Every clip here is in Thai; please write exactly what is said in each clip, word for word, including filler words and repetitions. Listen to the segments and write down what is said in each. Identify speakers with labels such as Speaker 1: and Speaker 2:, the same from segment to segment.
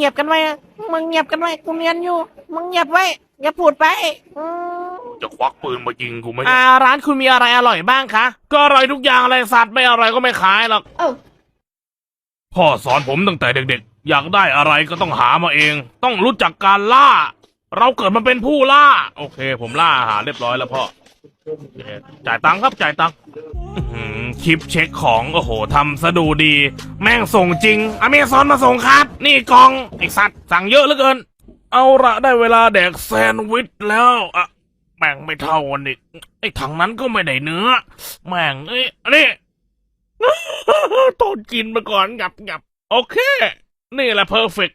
Speaker 1: งียบกันไว้มึงเงียบกันไว้กูเรียนอยู่มึงเงียบไว้อย่าพูดไปอืม
Speaker 2: จะควักปืนมายิงกูไหม
Speaker 1: อ่าร้านคุณมีอะไรอร่อยบ้างคะก็อร่อยทุกอย่างเลยสัตว์ไม่อร่อยก็ไม่ขายหรอก
Speaker 2: พ่อสอนผมตั้งแต่เด็กๆ อยากได้อะไรก็ต้องหามาเอง ต้องรู้จักการล่า เราเกิดมาเป็นผู้ล่า โอเค ผมล่าอาหารเรียบร้อยแล้วพ่อจ่ายตังค์ครับจ่ายตังค์คลิปเช็คของโอ้โหทำซะดูดี แม่งส่งจริงอเมซอนมาส่งครับ นี่กล่องไอสัตว์สั่งเยอะเหลือเกิน เอาละได้เวลาแดกแซนด์วิชแล้วอะแม่งไม่เท่ากันอีกไอ้ถังนั้นก็ไม่ได้เนื้อ แม่งเอ้ยอันนี้ ตอนกินมาก่อนงับงับโอเค นี่แหละเพอร์เฟก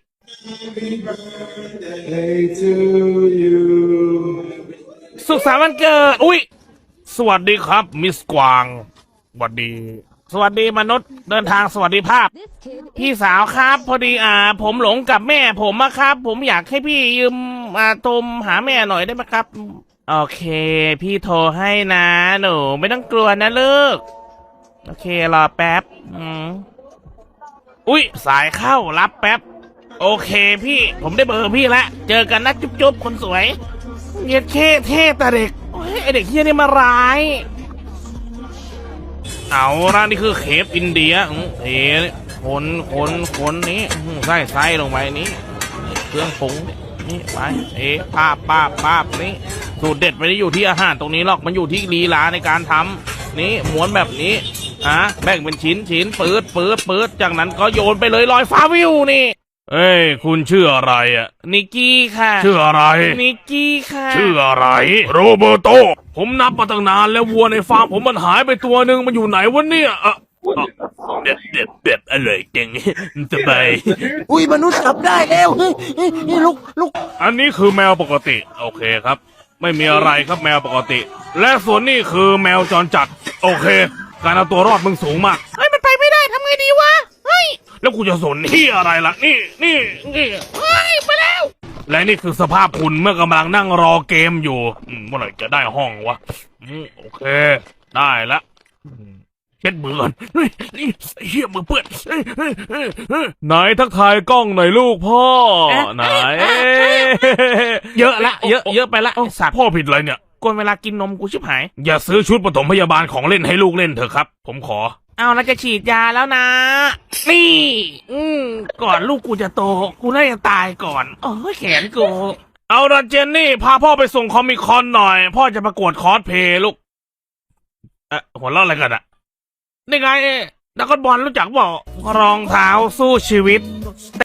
Speaker 2: สุขสันต์วันเกิด อุ้ยสวัสดีครับมิสกวางสวัสดี สวัสดีมนุษย์เดินทางสวัสดีภาพ พี่สาวครับพอดีอ่า ผมหลงกับแม่ผมอะครับ ผมอยากให้พี่ยืมอ่าโทรหาแม่หน่อยได้ไหมครับ โอเค พี่โทรให้นะหนูไม่ต้องกลัวนะลูกโอเค รอแป๊บอืมอุ๊ย สายเข้ารับแป๊บ โอเคพี่ ผมได้เบอร์พี่แล้ว เจอกันนะจุ๊บๆ คนสวยเย็ดเท่เท่แต่เด็กโอ้ยไอเด็กเฮียนี่มาร้าย เอาละนี่คือเคฟอินเดียเทคนคนคนนี้ใส่ไส้ลงไปนี้ เครื่องปรุงนี่ไปเอ๊ะภาพภาพภาพนี้สูตรเด็ดไม่ได้อยู่ที่อาหารตรงนี้หรอกมันอยู่ที่ลีลาในการทำนี่ม้วนแบบนี้อ่ะแบ่งเป็นชิ้นชิ้นปืดปืดปืดจากนั้นก็โยนไปเลยลอยฟ้าวิวนี่เอ้ยคุณชื่ออะไรอ่ะนิกกี้ค่ะชื่ออะไรนิกกี้ค่ะชื่ออะไรโรเบโตผมนับมาตั้งนานแล้ววัวในฟาร์มผมมันหายไปตัวหนึ่งมันอยู่ไหนวะเนี่ยอ่ะเด็ดเด็ดเด็ดอร่อยจังสบาย
Speaker 3: อุ้ยมนุษย์จับได้แล้วเฮ้ยเฮ้ยเฮ้ยลุกลุก
Speaker 2: อันนี้คือแมวปกติโอเคครับไม่มีอะไรครับแมวปกติ และส่วนนี้คือแมวจรจัดโอเค การเอาตัวรอดมึงสูงมาก
Speaker 1: เฮ้ยมันไปไม่ได้ทำไงดีวะเฮ้ย
Speaker 2: แล้วกูจะสนที่อะไรล่ะนี่นี่นี่
Speaker 1: เฮ้ยไปแล้ว
Speaker 2: และนี่คือสภาพคุณเมื่อกำลังนั่งรอเกมอยู่อืมเมื่อไหร่จะได้ห้องวะอืมโอเค ได้ละอืมเช็ดมือก่อนเฮ้ยนี่เหี้ยมือเปื้อนเฮ้ยเฮ้ยเฮ้ยเฮ้ยไหนทักทายกล้องหน่อยลูกพ่อไหน
Speaker 1: เยอะละเยอะเยอะไปละไอ้สัตว์
Speaker 2: พ่อผิดอะไรเนี่ย
Speaker 1: กวนเวลากินนมกูชิบหาย
Speaker 2: อย่าซื้อชุดปฐมพยาบาลของเล่นให้ลูกเล่นเถอะครับ ผมขอ
Speaker 1: เอาแล้วจะฉีดยาแล้วนะ นี่ อืมก่อนลูกกูจะโต กูน่าจะตายก่อน โอ้ยแขนกู
Speaker 2: เอาละเจนนี่พาพ่อไปส่งคอมิคอนหน่อย พ่อจะประกวดคอสเพลย์ลูกเอ๊ะหัวเราะอะไรกันอะนี่ไงนักบอลรู้จักบอกรองเท้าสู้ชีวิต